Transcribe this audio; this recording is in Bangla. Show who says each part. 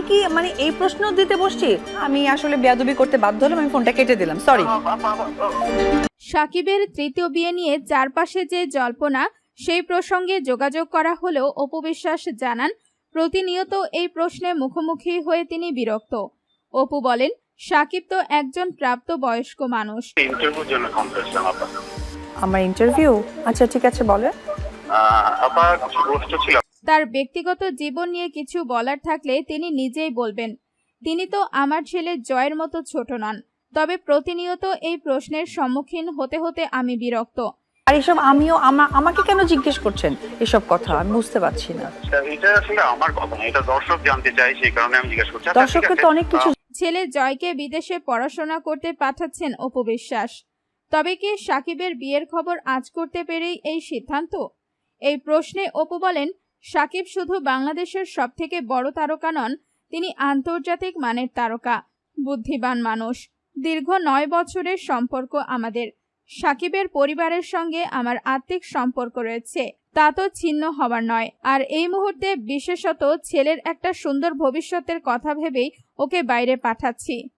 Speaker 1: কি মানে এই প্রশ্ন দিতে বসছি? আমি আসলে বেয়াদবি করতে বাধ্য হলাম, আমি ফোনটা কেটে দিলাম, সরি।
Speaker 2: সাকিবের তৃতীয় বিয়ে নিয়ে চারপাশে যে জল্পনা, সেই প্রসঙ্গে যোগাযোগ করা হলেও অপু বিশ্বাস জানান, প্রতিনিয়ত এই প্রশ্নে মুখোমুখি হয়ে তিনি বিরক্ত। অপু বলেন, সাকিব তো একজন প্রাপ্তবয়স্ক মানুষ।
Speaker 3: ইন্টারভিউর জন্য ফোন করেছিলাম আপা।
Speaker 1: আমার ইন্টারভিউ? আচ্ছা ঠিক আছে, বলে।
Speaker 3: আপা কিছু প্রশ্ন ছিল।
Speaker 2: তার ব্যক্তিগত জীবন নিয়ে কিছু বলার থাকলে তিনি নিজেই বলবেন। তিনি তো আমার ছেলে জয়ের মতো ছোট নন, তবে প্রতিনিয়ত এই প্রশ্নের সম্মুখীন হতে হতে আমি বিরক্ত।
Speaker 1: আর এসব আমিও আমাকে কেন জিজ্ঞেস করছেন এসব কথা? আমি বুঝতে পারছি না।
Speaker 3: এটা আসলে আমার কথা না, এটা দর্শক জানতে চাই, সেই কারণে আমি জিজ্ঞেস করছি।
Speaker 1: দর্শককে তো অনেক কিছু।
Speaker 2: ছেলে জয়কে বিদেশে পড়াশোনা করতে পাঠাচ্ছেন অপু বিশ্বাস। তবে কি সাকিবের বিয়ের খবর আজ করতে পেরেই এই সিদ্ধান্ত? এই প্রশ্নে অপু বলেন, সাকিব শুধু বাংলাদেশের সবথেকে বড় তারকা নন, তিনি আন্তর্জাতিক মানের তারকা, বুদ্ধিমান মানুষ। দীর্ঘ 9 বছরের সম্পর্ক আমাদের। সাকিবের পরিবারের সঙ্গে আমার আত্মিক সম্পর্ক রয়েছে, তা তো ছিন্ন হবার নয়। আর এই মুহূর্তে বিশেষত ছেলের একটা সুন্দর ভবিষ্যতের কথা ভেবেই ওকে বাইরে পাঠাচ্ছি।